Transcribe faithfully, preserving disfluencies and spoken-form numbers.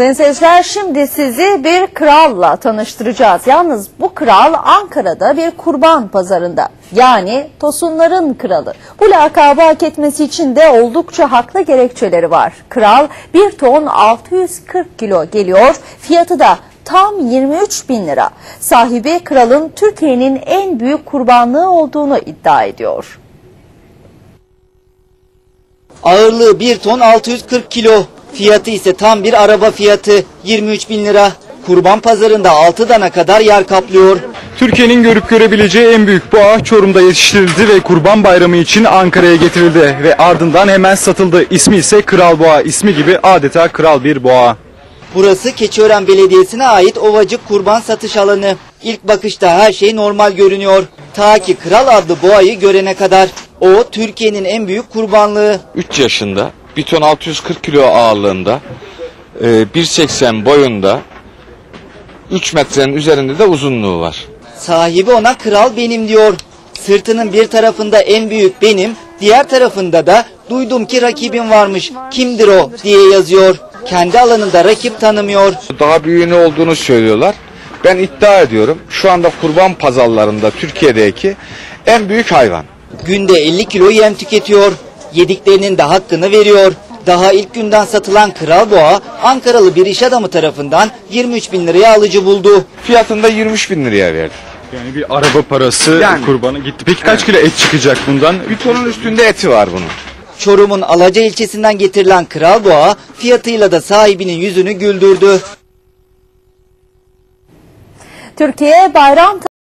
Sayın seyirciler, şimdi sizi bir kralla tanıştıracağız. Yalnız bu kral Ankara'da bir kurban pazarında. Yani Tosunların kralı. Bu lakabı hak etmesi için de oldukça haklı gerekçeleri var. Kral bir ton altı yüz kırk kilo geliyor. Fiyatı da tam yirmi üç bin lira. Sahibi kralın Türkiye'nin en büyük kurbanlığı olduğunu iddia ediyor. Ağırlığı bir ton altı yüz kırk kilo. Fiyatı ise tam bir araba fiyatı yirmi üç bin lira. Kurban pazarında altı dana kadar yer kaplıyor. Türkiye'nin görüp görebileceği en büyük boğa Çorum'da yetiştirildi ve Kurban Bayramı için Ankara'ya getirildi ve ardından hemen satıldı. İsmi ise Kral Boğa, ismi gibi adeta kral bir boğa. Burası Keçiören Belediyesi'ne ait Ovacık kurban satış alanı. İlk bakışta her şey normal görünüyor. Ta ki Kral adlı boğayı görene kadar. O Türkiye'nin en büyük kurbanlığı. üç yaşında, bir ton altı yüz kırk kilo ağırlığında, bir seksen boyunda, üç metrenin üzerinde de uzunluğu var. Sahibi ona kral benim diyor. Sırtının bir tarafında en büyük benim, diğer tarafında da duydum ki rakibim varmış, kimdir o diye yazıyor. Kendi alanında rakip tanımıyor. Daha büyüğünü olduğunu söylüyorlar. Ben iddia ediyorum, şu anda kurban pazarlarında Türkiye'deki en büyük hayvan. Günde elli kilo yem tüketiyor. Yediklerinin de hakkını veriyor. Daha ilk günden satılan Kral Boğa, Ankaralı bir iş adamı tarafından yirmi üç bin liraya alıcı buldu. Fiyatını da yirmi üç bin liraya verdi. Yani bir araba parası Yani. kurbanı gitti. Peki kaç kilo et çıkacak bundan? Bir tonun üstünde eti var bunun. Çorum'un Alaca ilçesinden getirilen Kral Boğa, fiyatıyla da sahibinin yüzünü güldürdü. Türkiye bayram